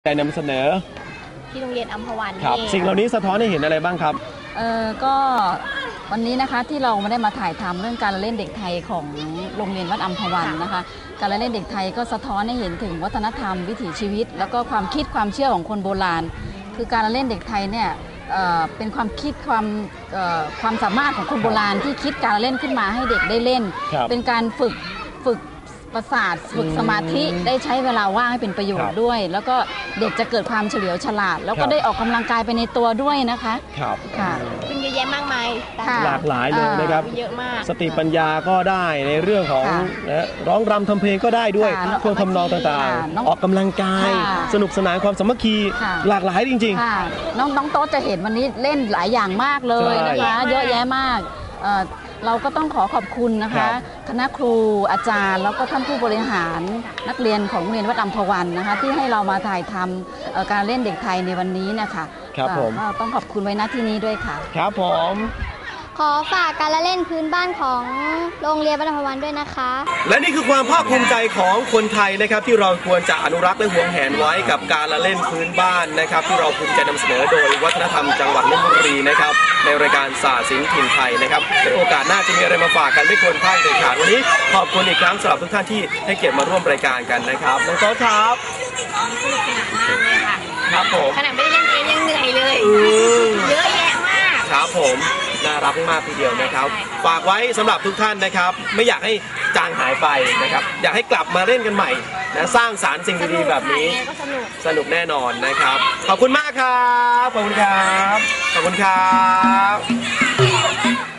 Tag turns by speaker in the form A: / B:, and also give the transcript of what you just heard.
A: ได้นำเสนอ
B: ที่โรงเรียนอัมพวัน
A: ครับสิ่งเหล่านี้สะท้อนให้เห็นอะไรบ้างครับ
C: ก็วันนี้นะคะที่เราไม่ได้มาถ่ายทำเรื่องการเล่นเด็กไทยของโรงเรียนวัดอัมพวันนะคะการเล่นเด็กไทยก็สะท้อนให้เห็นถึงวัฒนธรรมวิถีชีวิตแล้วก็ความคิดความเชื่อของคนโบราณคือการเล่นเด็กไทยเนี่ยเป็นความคิดความสามารถของคนโบราณที่คิดการเล่นขึ้นมาให้เด็กได้เล่นเป็นการฝึกประสาทฝึกสมาธิได้ใช้เวลาว่างให้เป็นประโยชน์ด้วยแล้วก็เด็กจะเกิดความเฉลียวฉลาดแล้วก็ได้ออกกำลังกายไปในตัวด้วยนะคะ
A: ครับ
C: ค่ะ
B: เป็นเยอะแยะมากมาย
A: หลากหลายเลยนะครับ
B: เยอะมาก
A: สติปัญญาก็ได้ในเรื่องของร้องรำทำเพลงก็ได้ด้วยเครื่องทำนองต่างๆออกกำลังกายสนุกสนานความสามัคคีหลากหลายจริง
C: ๆน้องโต๊ะจะเห็นวันนี้เล่นหลายอย่างมากเลยนะคะเยอะแยะมากเราก็ต้องขอบคุณนะคะคณะครูอาจารย์แล้วก็ท่านผู้บริหารนักเรียนของโรงเรียนวัดอัมพวันนะคะที่ให้เรามาถ่ายทำการเล่นเด็กไทยในวันนี้นะคะ
A: ครับผม
C: ต้องขอบคุณไว้ณที่นี้ด้วยค่ะ
A: ครับผม
B: ขอฝากการละเล่นพื้นบ้านของโรงเรียนวัดอัมพวันด้วยนะคะ
A: และนี่คือความภาคภูมิใจของคนไทยนะครับที่เราควรจะอนุรักษ์และหวงแหนไว้กับการละเล่นพื้นบ้านนะครับที่เราภูมิใจนำเสนอโดยวัฒนธรรมจังหวัดลพบุรีนะครับในรายการศาสตร์ศิลป์ถิ่นไทยนะครับในโอกาสหน้าจะมีอะไรมาฝากกันไม่ควรพลาดเด็ดขาดวันนี้ขอบคุณอีกครั้งสำหรับทุกท่านที่ให้เกียรติมาร่วมรายการกันนะครับน้องโต๊ะครับ
B: สนุกสนานมากเลยค่ะ
A: ครับผม
B: ขนาดไม่ได้เล่นเองยังเหนื่อยเลยเยอะแยะมาก
A: ครับผมน่ารักมากทีเดียวนะครับฝากไว้สำหรับทุกท่านนะครับไม่อยากให้จางหายไปนะครับอยากให้กลับมาเล่นกันใหม่นะสร้างสรรค์สิ่งดีๆแบบนี้สนุกแน่นอนนะครับขอบคุณมากครับขอบคุณครับขอบคุณครับ